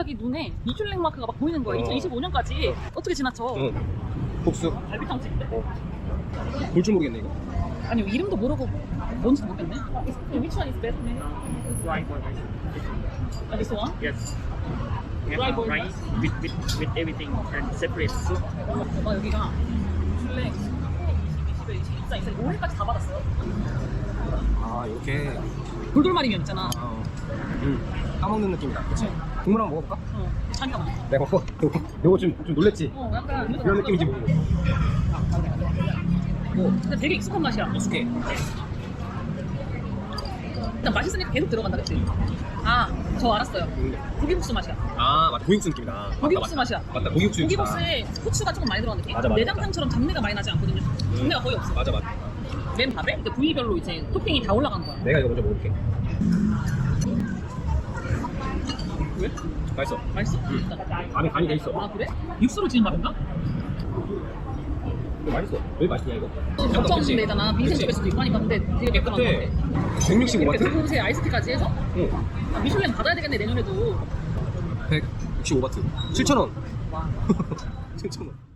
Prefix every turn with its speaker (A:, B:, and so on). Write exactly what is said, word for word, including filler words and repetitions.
A: 갑자기 눈에 미슐랭 마크가 막 보이는 거야.
B: 어.
A: 이천이십오 년까지
B: 어.
A: 어떻게 지나쳐?
B: 응. 복수.
A: 갈비탕 집인데?
B: 어. 볼 줄 모르겠네 이거.
A: 아니 이름도 모르고 뭔지 모르겠네. Which one is best?
C: Dry for rice.
A: Uh, this one?
C: Yes. We
A: Dry
C: have
A: boiled
C: rice with, with, with everything and separate soup.
A: 어, 여기가 미슐랭 이십에 이십에 이십사, 이십사, 오 회까지 다 받았어요.
B: 아 이렇게.
A: 돌돌마리면 있잖아.
B: 어. 음. 까먹는 느낌이다. 그치?
A: 응.
B: 국물 한번 먹어볼까?
A: 어, 자기가 먹어.
B: 내가 먹어. 요거 좀, 좀 놀랬지?
A: 어, 약간
B: 이런 느낌인지 모르고.
A: 뭐, 근데 되게 익숙한 맛이야.
B: 익숙해.
A: 일단 맛있으니까 계속 들어간다, 그치? 아, 저 알았어요. 고기국수 맛이야.
B: 아 맞다. 고기국수 느낌이다.
A: 고기국수
B: 맞다,
A: 맛이야.
B: 맞다. 맞다. 고기국수 느낌이다.
A: 고기국수에 후추가 조금 많이 들어간 느낌?
B: 맞아, 맞아,
A: 내장탕처럼 잡내가 많이 나지 않거든요. 잡내가 거의 없어.
B: 맞아 맞아.
A: 맨 밥에 이제 부위별로 이제 토핑이 다 올라간 거야.
B: 내가 이거 먼저 먹을게.
A: 왜?
B: 맛있어.
A: 맛있어?
B: 응.
A: 일단.
B: 안에 간이 돼 있어.
A: 아, 그래? 육수로 지은 밥인가?
B: 이거 맛있어. 왜 맛있냐 이거?
A: 걱정되잖아. 빈센 쪽에서도 있고 하니까. 근데 되게 매콤한 거
B: 그때
A: 같아.
B: 백육십오
A: 이렇게
B: 바트?
A: 들고세 아이스티까지 해서
B: 응.
A: 아, 미슐랭 받아야 되겠네, 내년에도.
B: 백육십오 바트. 칠천 원.
A: 와.
B: 칠천 원.